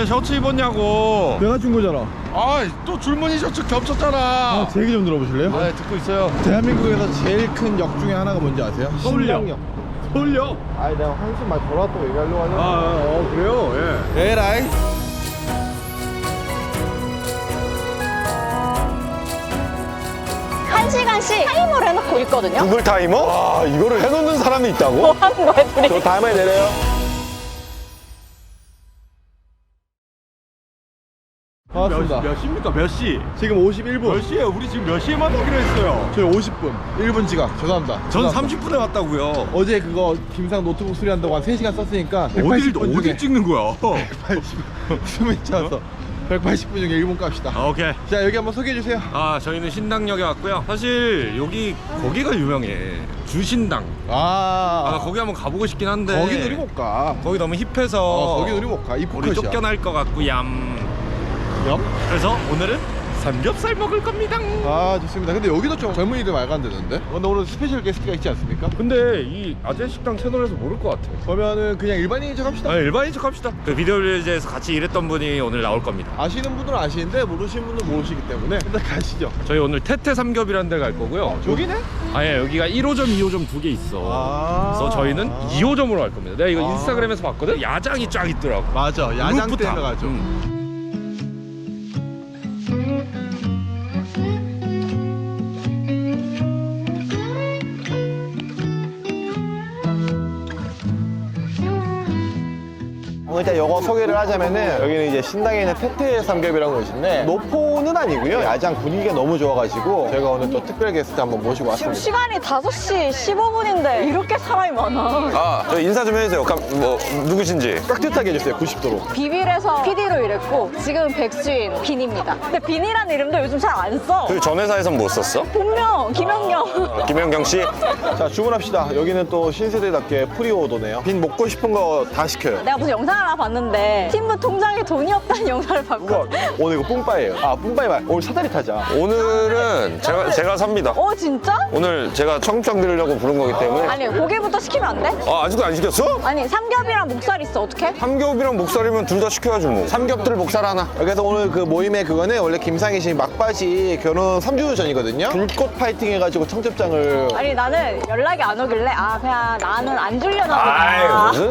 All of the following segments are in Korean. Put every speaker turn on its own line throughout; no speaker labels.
셔츠 입었냐고.
내가 준 거잖아.
또 줄무늬 셔츠 겹쳤잖아.
제 얘기 좀 들어보실래요?
네, 듣고 있어요.
대한민국에서 제일 큰 역 중에 하나가 뭔지 아세요?
서울역.
신당역.
서울역.
아니 내가 한숨 말 돌아왔다고 얘기하려고 하려고.
그래요? 예.
에라이.
한 시간씩 타이머를 해놓고 있거든요.
구글 타이머? 와, 이거를 해놓는 사람이 있다고?
뭐 하는 거야, 둘이?
저 다음에 내려요.
반갑습니다.
몇 시입니까? 몇 시?
지금 51분.
몇 시에요? 우리 지금 몇 시에 만나기로 했어요?
저희 50분. 1분 지각. 죄송합니다.
전
죄송합니다.
30분에 왔다고요.
어제 그거 김상 노트북 수리한다고 한 3시간 썼으니까
어딜 찍는 거야?
180. 숨이 차서 180분 중에 1분 값이다.
오케이.
자 여기 한번 소개해 주세요.
저희는 신당역에 왔고요. 사실 여기 거기가 유명해. 주신당. 거기 한번 가보고 싶긴 한데.
거기 우리 못 가.
거기 너무 힙해서.
거기 우리 못 가.
우리
이쁘컷이야.
쫓겨날 것 같고 얌. 그래서 오늘은 삼겹살 먹을 겁니다.
좋습니다. 근데 여기도 좀 젊은이들 말 간다는데? 근데 오늘 스페셜 게스트가 있지 않습니까?
근데 이 아재 식당 채널에서 모를 것 같아.
그러면은 그냥 일반인인 척 합시다.
일반인 척 합시다. 그 비디오 빌리지에서 같이 일했던 분이 오늘 나올 겁니다.
아시는 분들은 아시는데 모르시는 분들은 모르시기 때문에 일단 가시죠.
저희 오늘 태태 삼겹이라는 데 갈 거고요.
저기네?
여기가 1호점, 2호점 두 개 있어. 그래서 저희는 2호점으로 갈 겁니다. 내가 이거 인스타그램에서 봤거든? 야장이 쫙 있더라고.
맞아. 야장
루프탑.
때문에 가죠. 일단 이거 소개를 하자면은 여기는 이제 신당에 있는 태태 삼겹이라는 곳인데 노포는 아니고요. 야장 분위기가 너무 좋아가지고 저희가 오늘 또 특별 게스트 한번 모시고
지금
왔습니다.
시간이 5시 15분인데 이렇게 사람이 많아.
저 인사 좀 해주세요. 누구신지.
깍듯하게 해주세요. 90도로.
비빌에서 PD로 일했고 지금 백수인 빈입니다. 근데 빈이라는 이름도 요즘 잘 안 써.
그 전 회사에선 뭐 썼어?
본명 김연경.
김연경 씨?
자 주문합시다. 여기는 또 신세대답게 프리오더네요. 빈 먹고 싶은 거 다 시켜요.
내가 무슨 영상을 하나 봤는데 팀부 통장에 돈이 없다는 영상을 봤고.
오늘 이거 뿜빠예요. 뿜빠이 말. 오늘 사다리 타자.
오늘은 제가 삽니다.
진짜?
오늘 제가 청첩장 드리려고 부른 거기 때문에.
아니 고기부터 시키면 안 돼?
아직도 안 시켰어?
아니 삼겹이랑 목살 있어 어떡해?
삼겹이랑 목살이면 둘 다 시켜야지 뭐. 삼겹들 목살 하나.
그래서 오늘 그 모임의 그거는 원래 김상희 씨 막바지 결혼 3주 전이거든요. 불꽃 파이팅 해가지고 청첩장을.
아니 나는 연락이 안 오길래 그냥 나는 안 주려나
아이,
보다.
무슨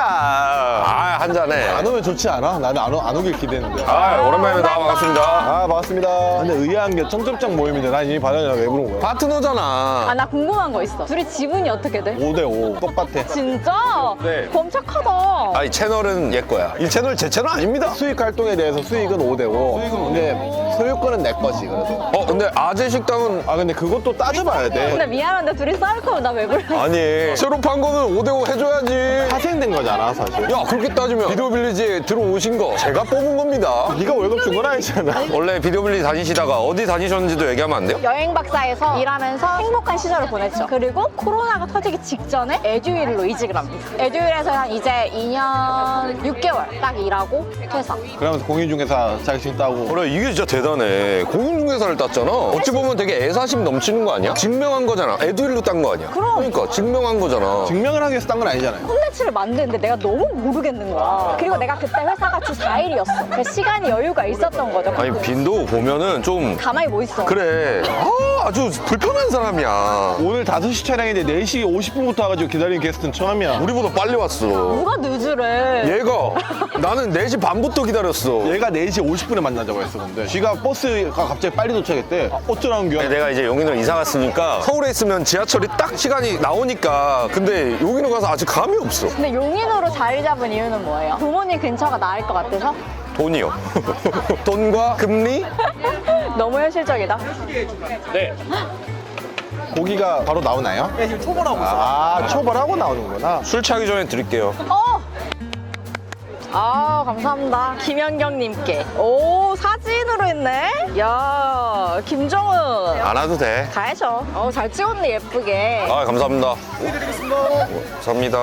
소리야. 한 잔해.
안 오면 좋지 않아? 나는 안 오길 기대했는데.
오랜만입니다. 반갑습니다.
반갑습니다. 근데 의아한 게 청첩장 모임인데 난 이미 받아내나 왜 부른 거야?
파트너잖아.
나 궁금한 거 있어. 둘이 지분이 어떻게 돼?
5대5 똑같아.
진짜?
네.
범착하다.
이 채널은 얘 거야. 이 채널 제 채널 아닙니다.
수익 활동에 대해서 수익은 5대5. 근데 소유권은 내 거지 그래도.
근데 아재 식당은
근데 그것도 따져봐야 돼.
근데 미안한데 둘이 싸울 거면 나 왜 불러?
아니 새로 판 거는 5대5 해줘야지.
파생된 거잖아 사실.
야 그렇게 따지면 비디오 빌리지에 들어오신 거 제가 뽑은 겁니다.
네가 월급 준 건 아니잖아.
원래 비디오 빌리지 다니시다가 어디 다니셨는지도 얘기하면 안 돼요?
여행 박사에서 일하면서 행복한 시절을 보냈죠. 그리고 코로나가 터지기 직전에 에듀윌로 이직을 합니다. 에듀윌에서 한 이제 2년 6개월 딱 일하고 퇴사.
그러면서 공인중개사 자격증 따고.
그래 이게 진짜 대단해. 공인중개사를 땄잖아. 어찌 보면 되게 애사심 넘치는 거 아니야? 증명한 거잖아. 에듀윌로 딴 거 아니야? 그러니까 증명한 거잖아.
증명을 하기 위해서 딴 건 아니잖아요.
콘텐츠를 만드는데 내가 너무 모르겠는 거야. 그리고 내가 그때 회사가 주 4일이었어. 그래서 시간이 여유가 있었던 거죠.
아니 빈도 보면은 좀
가만히 뭐 있어.
그래. 아주 불편한 사람이야.
오늘 5시 촬영인데 4시 50분부터 와가지고 기다리는 게스트는 처음이야.
우리보다 빨리 왔어.
누가 늦으래.
얘가 나는 4시 반부터 기다렸어.
얘가 4시 50분에 만나자고 했어 근데 지가 버스가 갑자기 빨리 도착했대. 어쩌라는 거야?
내가 이제 용인으로 이사 갔으니까 서울에 있으면 지하철이 딱 시간이 나오니까 근데 용인으로 가서 아직 감이 없어.
근데 용인으로 자리 잡은 이유는 뭐예요? 부모님 근처가 나을 것 같아서?
돈이요. 돈과 금리?
너무 현실적이다.
네.
고기가 바로 나오나요?
네, 지금 초벌하고
초벌하고 나오는구나.
술 취하기 전에 드릴게요.
감사합니다. 김연경님께. 오, 사진으로 했네? 야, 김정은.
안 와도 돼.
가야죠. 잘 찍었네, 예쁘게.
감사합니다. 감사합니다.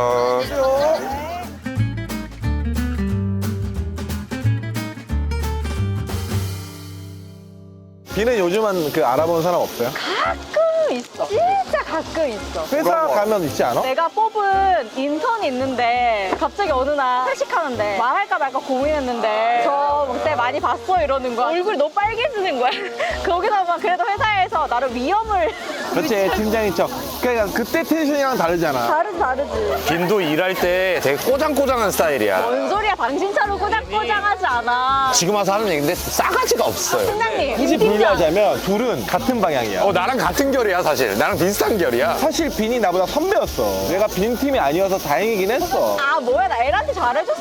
비는 요즘은 알아보는 사람 없어요?
가끔 있어. 진짜 가끔 있어.
회사 가면 있지 않아?
내가 뽑은 인턴이 있는데 갑자기 어느 날 회식하는데 말할까 말까 고민했는데 저 그때 많이 봤어 이러는 거야. 얼굴이 너무 빨개지는 거야. 거기다가 그래도 회사에서 나를 위험을
그렇지, 팀장인 척. 그러니까 그때 텐션이랑 다르잖아.
다르지.
김도 일할 때 되게 꼬장꼬장한 스타일이야.
뭔 소리야, 당신처럼 꼬장꼬장하지 않아.
지금 와서 하는 얘기인데 싸가지가 없어요.
팀장님,
굳이 분류하자면 둘은 같은 방향이야.
나랑 같은 결이야 사실. 나랑 비슷한 결이야.
사실 빈이 나보다 선배였어. 내가 빈 팀이 아니어서 다행이긴 했어.
아 뭐야, 나 애한테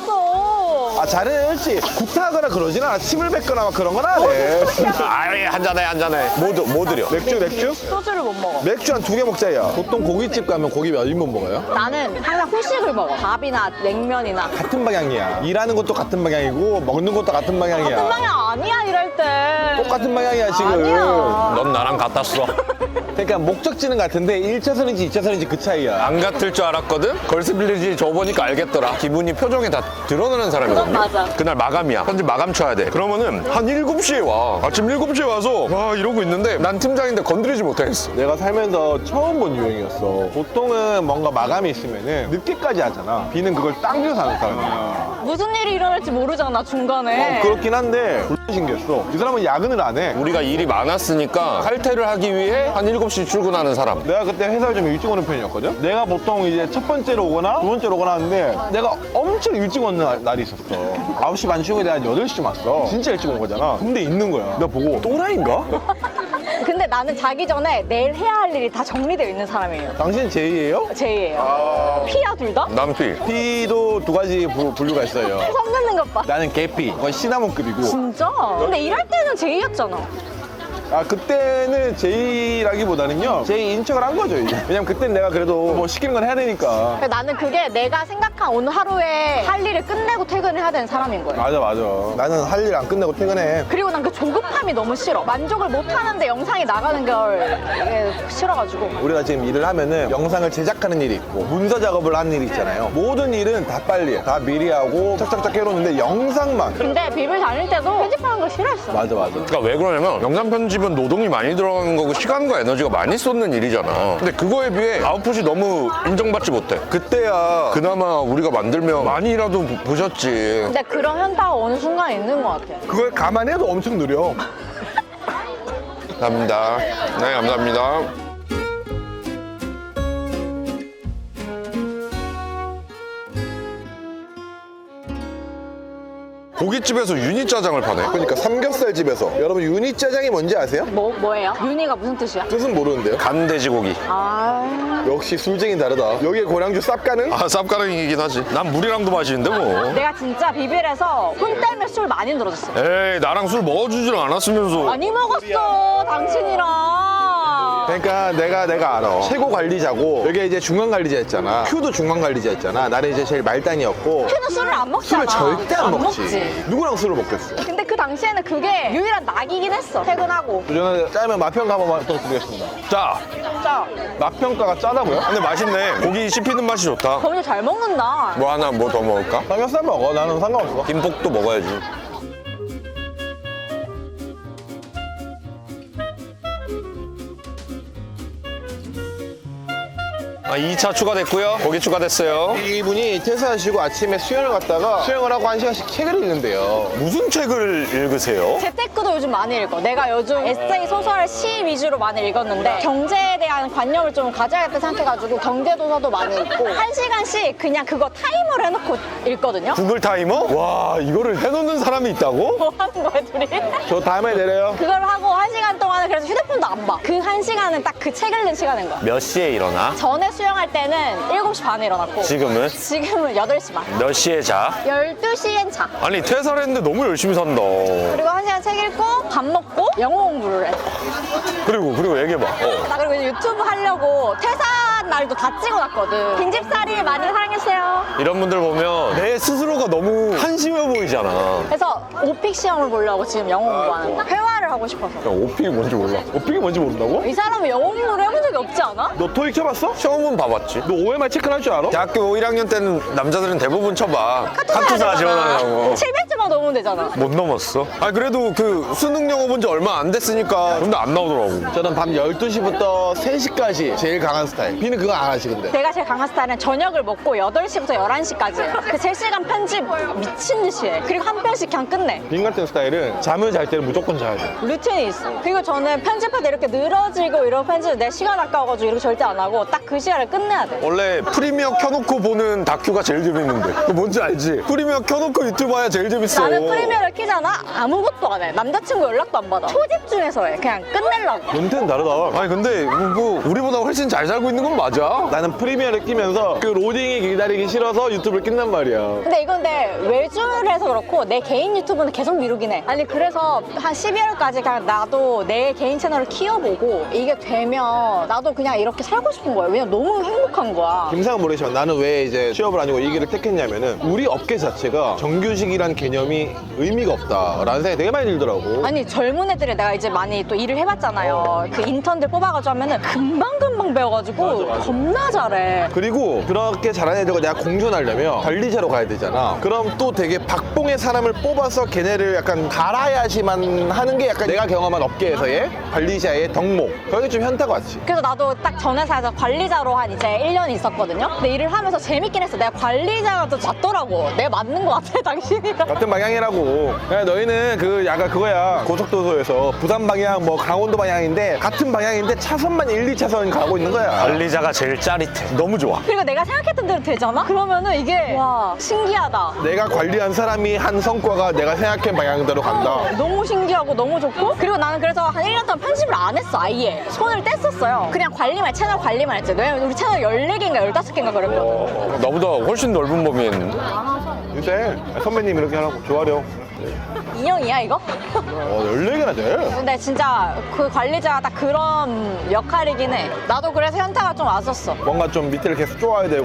잘해줬어.
아, 잘했지. 구타하거나 그러진 않아. 침을 뱉거나 막 그런 건 안 해.
아이 한잔해. 뭐 드려?
맥주?
소주를 못 먹어.
맥주 한 2개 먹자야. 보통 고깃집 가면 고기 몇 인분 먹어요?
나는 항상 후식을 먹어. 밥이나 냉면이나.
같은 방향이야. 일하는 것도 같은 방향이고 먹는 것도 같은 방향이야.
같은 방향 아니야, 이럴 때.
똑같은 방향이야 지금.
아니야.
넌 나랑 같았어.
그러니까 목적지는 같은데 1차선인지 2차선인지 그 차이야.
안 같을 줄 알았거든? 걸스빌리지 줘보니까 알겠더라. 기분이 표정에 다 드러나는 사람이거든요.
그건 맞아.
그날 마감이야. 편집 마감 쳐야 돼. 그러면은 한 7시에 와. 아침 7시에 와서 와 이러고 있는데 난 팀장인데 건드리지 못하겠어.
내가 살면서 처음 본 유행이었어. 보통은 뭔가 마감이 있으면은 늦게까지 하잖아. 비는 그걸 당겨서 하는 사람이야.
무슨 일이 일어날지 모르잖아, 중간에.
그렇긴 한데 졸라 신기했어. 이 사람은 야근을 안 해.
우리가 일이 많았으니까 칼퇴를 하기 위해 한 7시 출근하는 사람.
내가 그때 회사를 좀 일찍 오는 편이었거든? 내가 보통 이제 첫 번째로 오거나 두 번째로 오거나 하는데 내가 엄청 일찍 오는 날이 있었어. 9시 반 출근에 한 8시쯤 왔어. 진짜 일찍 온 거잖아. 근데 있는 거야. 내가 보고 또라이인가?
근데 나는 자기 전에 내일 해야 할 일이 다 정리되어 있는 사람이에요.
당신 제이예요?
제이예요. 피야, 둘 다?
남피.
P도 두 가지 분류가 있어요.
성 긋는 것 봐.
나는 개피. 거의 시나몬급이고.
진짜? 근데 일할 때는 제이였잖아.
아, 그때는 제이라기보다는요. 제이 인척을 한 거죠, 이제. 왜냐면 그땐 내가 그래도 뭐 시키는 건 해야 되니까.
그러니까 나는 그게 내가 생각한 오늘 하루에 할 일을 끝내고 퇴근을 해야 되는 사람인 거예요.
맞아. 나는 할 일 안 끝내고 퇴근해.
그리고 난 그 조급함이 너무 싫어. 만족을 못 하는데 영상이 나가는 걸 이게 싫어가지고.
우리가 지금 일을 하면은 영상을 제작하는 일이 있고 문서 작업을 하는 일이 있잖아요. 모든 일은 다 빨리 해. 다 미리 하고 착착착 해놓는데 영상만.
근데 비빌 다닐 때도 편집하는 거 싫어했어.
맞아.
그러니까 왜 그러냐면 영상 편집은 노동이 많이 들어가는 거고 시간과 에너지가 많이 쏟는 일이잖아. 근데 그거에 비해 아웃풋이 너무 인정받지 못해. 그때야 그나마 우리가 만들면 많이라도 보셨지.
근데 그런 현타가 어느 순간 있는 것 같아.
그걸 감안해도 엄청 느려.
감사합니다. 네, 감사합니다. 고깃집에서 유니짜장을 파네.
그러니까 삼겹살 집에서 여러분 유니짜장이 뭔지 아세요?
뭐예요? 윤희가 무슨 뜻이야?
뜻은 모르는데요.
간 돼지고기.
아.
역시 술쟁이 다르다. 여기에 고량주 쌉가는?
아, 쌉가능이긴 하지. 난 물이랑도 마시는데 뭐.
내가 진짜 비빌에서 혼 때문에 술 많이 늘어졌어.
에이, 나랑 술 먹어주지를 않았으면서.
많이 먹었어, 당신이랑.
그러니까 내가 알아. 최고 관리자고 여기 이제 중간 관리자였잖아. 큐도 중간 관리자였잖아. 나는 이제 제일 말단이었고.
큐는 술을 안 먹잖아.
술을 절대 안 먹지.
먹지.
누구랑 술을 먹겠어?
근데 그 당시에는 그게 유일한 낙이긴 했어. 퇴근하고.
저는 짜면 맛평가 한번 부탁드리겠습니다.
자,
진짜
맛평가가 짜다고요?
근데 맛있네. 고기 씹히는 맛이 좋다.
범이 잘 먹는다.
뭐 하나 뭐 더 먹을까?
삼겹살 먹어. 나는 상관없어.
김복도 먹어야지. 아, 2차 추가됐고요. 고기 추가됐어요.
이분이 퇴사하시고 아침에 수영을 갔다가 수영을 하고 1시간씩 책을 읽는데요.
무슨 책을 읽으세요?
재테크도 요즘 많이 읽어. 내가 요즘 에세이, 소설, 시 위주로 많이 읽었는데 경제에 대한 관념을 좀 가져야겠다 생각해가지고 경제도서도 많이 읽고 1시간씩 그냥 그거 타이머를 해놓고 읽거든요.
구글 타이머? 와, 이거를 해놓는 사람이 있다고?
뭐 하는 거야, 둘이?
저 다음에 내려요.
그걸 하고 1시간 동안은 그래서 휴대폰도 안 봐. 그 1시간은 딱 그 책 읽는 시간인 거야.
몇 시에 일어나?
전에 수영할 때는 7시 반에 일어났고
지금은?
지금은 8시 반.
몇 시에 자?
12시엔 자.
아니, 퇴사를 했는데 너무 열심히 산다.
그리고 1시간 책 읽고 밥 먹고 영어 공부를 해.
그리고 얘기해봐.
나 그리고 이제 유튜브 하려고 퇴사 날도 다 찍어놨거든. 빈집살이 많이 사랑해주세요.
이런 분들 보면 내 스스로가 너무 한심해 보이잖아.
그래서 오픽 시험을 보려고 지금 영어 공부하는 거야. 회화를 하고 싶어서.
야, 오픽이 뭔지 몰라.
오픽이 뭔지 모른다고?
이 사람은 영어 공부를 해본 적이 없지 않아?
너 토익 쳐봤어?
처음은 봐봤지.
너 OMR 체크할 줄 알아?
대학교 1학년 때는 남자들은 대부분 쳐봐. 카투사 지원하려고.
700점 10초만 넘으면 되잖아.
못 넘었어. 아 그래도 그 수능 영어 본 지 얼마 안 됐으니까 근데 안 나오더라고.
저는 밤 12시부터 3시까지 제일 강한 스타일. 비는 그거 안 하시 근데.
내가 제일 강한 스타일은 저녁을 먹고 8시부터 11시까지 그 3시간 편집 미친 듯이 해. 그리고 한 편씩 그냥 끝내.
빈 같은 스타일은 잠을 잘 때는 무조건 자야 돼.
루틴이 있어. 그리고 저는 편집할 때 이렇게 늘어지고 이런 편집 내 시간 아까워가지고 이렇게 절대 안 하고 딱 그 시간을 끝내야 돼.
원래 프리미어 켜놓고 보는 다큐가 제일 재밌는데 그거 뭔지 알지? 프리미어 켜놓고 유튜브 봐야 제일 재밌어.
나는 프리미어를 키잖아? 아무것도 안 해. 남자친구 연락도 안 받아. 초집중해서 해. 그냥 끝내려고.
멘트는 다르다.
아니 근데 뭐 우리보다 훨씬 잘 살고 있는 건 맞아.
나는 프리미어를 끼면서 그 로딩이 기다리기 싫어서 유튜브를 낀단 말이야.
근데 이건 내 외주를 해서 그렇고 내 개인 유튜브는 계속 미루긴 해. 아니 그래서 한 12월까지 그냥 나도 내 개인 채널을 키워보고 이게 되면 나도 그냥 이렇게 살고 싶은 거야. 왜냐면 너무 행복한 거야.
김상은 모르지만 나는 왜 이제 취업을 아니고 이 길을 택했냐면은 우리 업계 자체가 정규직이란 개념이 의미가 없다라는 생각이 되게 많이 들더라고.
아니 젊은 애들이 내가 이제 많이 또 일을 해봤잖아요. 그 인턴들 뽑아가지고 하면은 금방금방 배워가지고 겁나 잘해.
그리고 그렇게 잘하는 애들과 내가 공존하려면 관리자로 가야 되잖아. 그럼 또 되게 박봉의 사람을 뽑아서 걔네를 약간 갈아야지만 하는 게 약간 내가 경험한 업계에서의 관리자의 덕목. 거기 좀 현타가 왔지.
그래서 나도 딱 전 회사에서 관리자로 한 이제 1년 있었거든요. 근데 일을 하면서 재밌긴 했어. 내가 관리자가 더 낫더라고. 내가 맞는 것 같아, 당신이랑.
같은 방향이라고. 야, 너희는 그 약간 그거야. 고속도로에서 부산 방향 뭐 강원도 방향인데 같은 방향인데 차선만 1, 2차선 가고 있는 거야.
관리자가 제일 짜릿해. 너무 좋아.
그리고 내가 생각했던 대로 되잖아? 그러면은 이게 와 신기하다.
내가 관리한 사람이 한 성과가 내가 생각한 방향대로 간다.
너무 신기하고 너무 좋고 그리고 나는 그래서 한 1년 동안 편집을 안 했어 아예. 손을 뗐었어요. 그냥 관리만 채널 관리만 했지. 왜냐면 우리 채널 14개인가 15개인가 그랬거든.
나보다 훨씬 넓은 범위에 있는데.
요새 선배님 이렇게 하라고 좋아려.
인형이야 이거?
14개나 돼?
근데 진짜 그 관리자가 딱 그런 역할이긴 해. 나도 그래서 현타가 좀 왔었어.
뭔가 좀 밑에를 계속 쪼아야 되고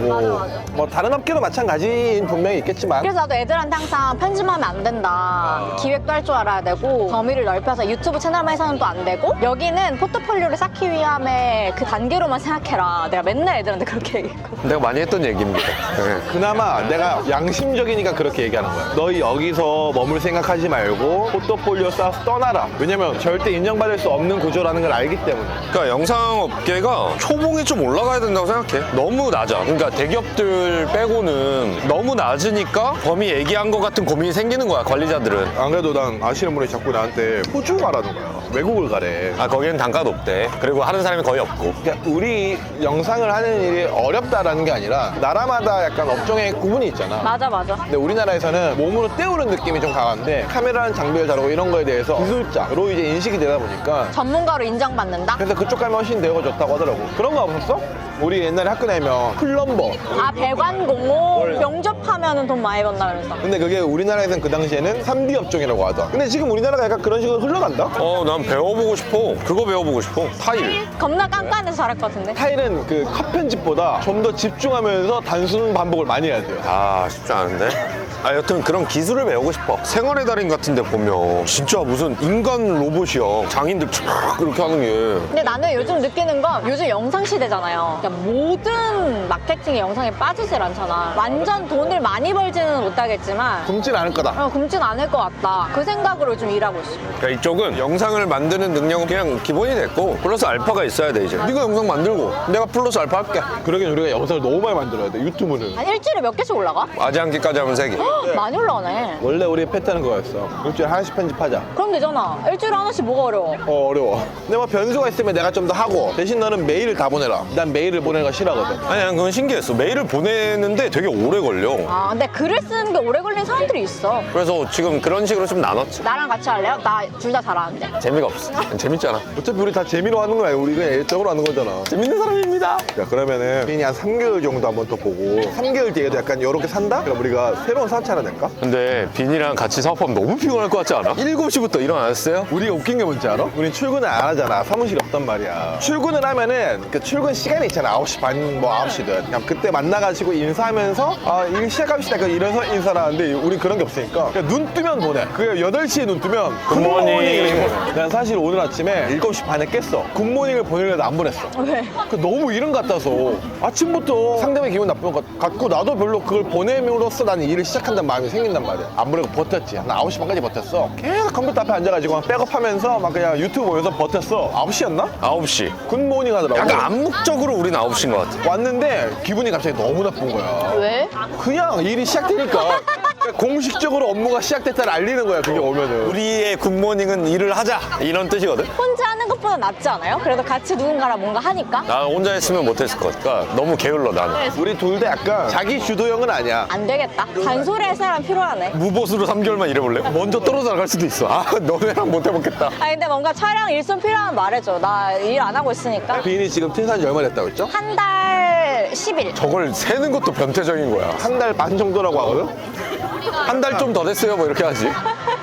뭐 다른 업계도 마찬가지인 분명히 있겠지만
그래서 나도 애들한테 항상 편집하면 안 된다. 기획도 할 줄 알아야 되고 범위를 넓혀서 유튜브 채널만 해서는 또 안 되고 여기는 포트폴리오를 쌓기 위함의 그 단계로만 생각해라. 내가 맨날 애들한테 그렇게 얘기했거든.
내가 많이 했던 얘기입니다. 네.
그나마 내가 양심적이니까 그렇게 얘기하는 거야. 너희 여기서 머물 생각하지 말고 포트폴리오 쌓아서 떠나라. 왜냐면 절대 인정받을 수 없는 구조라는 걸 알기 때문에.
그러니까 영상업계가 초봉이 좀 올라가야 된다고 생각해. 너무 낮아. 그러니까 대기업들 빼고는 너무 낮으니까 범위 얘기한 것 같은 고민이 생기는 거야, 관리자들은.
안 그래도 난 아시는 분이 자꾸 나한테 호주 가라는 거야. 외국을 가래.
아, 거기는 단가 높대. 그리고 하는 사람이 거의 없고.
그러니까 우리 영상을 하는 일이 어렵다라는 게 아니라 나라마다 약간 업종의 구분이 있잖아.
맞아 맞아.
근데 우리나라에서는 몸으로 때우는 느낌이 좀 강한데 카메라는 장비를 다루고 이런 거에 대해서 기술자로 이제 인식이 되다 보니까
전문가로 인정받는다?
그래서 그쪽 가면 훨씬 대우가 좋다고 하더라고. 그런 거 없었어? 우리 옛날에 학교 다니면 플럼버.
아 배관공호 병접하면은 돈 많이 번다 그래서.
근데 그게 우리나라에서는 그 당시에는 3D 업종이라고 하더라. 근데 지금 우리나라가 약간 그런 식으로 흘러간다?
난 배워보고 싶어. 그거 배워보고 싶어. 타일.
겁나 깐깐해서 잘할 것 같은데?
타일은 그 컷 편집보다 좀 더 집중하면서 단순 반복을 많이 해야 돼요.
아, 쉽지 않은데? 아, 여튼 그런 기술을 배우고 싶어. 생활의 달인 같은 데 보면 진짜 무슨 인간 로봇이야. 장인들 쫙 이렇게 하는 게.
근데 나는 요즘 느끼는 건 요즘 영상 시대잖아요. 그러니까 모든 마케팅의 영상에 빠지질 않잖아. 완전 돈을 많이 벌지는 못하겠지만
굶진 않을 거다.
굶진 않을 것 같다. 그 생각으로 좀 일하고 있어.
그러니까 이쪽은 영상을 만드는 능력은 그냥 기본이 됐고 플러스 알파가 있어야 돼 이제. 네가 영상 만들고 내가 플러스 알파 할게.
그러긴 우리가 영상을 너무 많이 만들어야 돼. 유튜브는.
한 일주일에 몇 개씩 올라가?
아지않기까지 하면 3개.
많이 올라가네.
원래 우리 패턴은 그거였어. 일주일에 하나씩 편집하자.
그럼 되잖아. 일주일에 하나씩 뭐가 어려워?
어려워. 근데 뭐 변수가 있으면 내가 좀 더 하고 대신 너는 메일을 다 보내라. 난 메일을 보내는 거 싫어하거든.
아니 난 그건 신기했어. 메일을 보내는데 되게 오래 걸려.
아 근데 글을 쓰는 게 오래 걸리는 사람들이 있어.
그래서 지금 그런 식으로 좀 나눴지.
나랑 같이 할래요? 나 둘 다 잘하는데.
재미가 없어. 재밌잖아.
어차피 우리 다 재미로 하는 거야. 우리 그냥 일적으로 하는 거잖아.
재밌는 사람입니다.
자, 그러면은 빈이 한 3개월 정도 한번 더 보고 3개월 뒤에도 약간 이렇게 산다? 그럼 우리가 새로운 사업체 하나 낼까?
근데 빈이랑 같이 사업하면 너무 피곤할 것 같지 않아? 7시부터 일어났어요?
우리가 웃긴 게 뭔지 알아? 우린 출근을 안 하잖아. 사무실이 없단 말이야. 출근을 하면은 그 출근 시간이 있잖아. 9시 반, 뭐 9시든. 그냥 그때 만나가지고 인사하면서 일 시작합시다. 이래서 인사를 하는데 우린 그런 게 없으니까 그냥 눈 뜨면 보내. 그게 8시에 눈 뜨면 굿모닝 이렇게 보내. 난 사실 오늘 아침에 7시 반에 깼어. 굿모닝을 보내려도 안 보냈어.
왜?
너무 이른 것 같아서 아침부터 상대방의 기분 나쁜 것 같고 나도 별로 그걸 보냄으로써 나는 일을 시작할 시작한다는 마음이 생긴단 말이야. 안 그래도 버텼지. 한 9시 반까지 버텼어. 계속 컴퓨터 앞에 앉아가지고 백업하면서 막 그냥 유튜브 보면서 버텼어. 9시였나?
9시.
굿모닝 하더라고.
약간 암묵적으로 우린 9시인 것 같아.
왔는데 기분이 갑자기 너무 나쁜 거야.
왜?
그냥 일이 시작되니까 공식적으로 업무가 시작됐다를 알리는 거야. 그게 오면은.
우리의 굿모닝은 일을 하자 이런 뜻이거든.
혼자 하는 것보다 낫지 않아요? 그래도 같이 누군가랑 뭔가 하니까?
나 혼자 했으면 못했을 것 같아. 너무 게을러 나는.
우리 둘 다 약간 자기 주도형은 아니야.
안 되겠다. 잔소리 할 사람 필요하네.
무보수로 3개월만 일해볼래? 먼저 떨어져 나갈 수도 있어. 아 너네랑 못 해먹겠다.
아니 근데 뭔가 촬영 일손 필요하면 말해줘. 나 일 안 하고 있으니까.
비인이 지금 퇴사한 지 얼마 됐다고 했죠?
한 달 10일.
저걸 세는 것도 변태적인 거야.
한 달 반 정도라고 하거든?
한 달 좀 더 됐어요 뭐 이렇게 하지.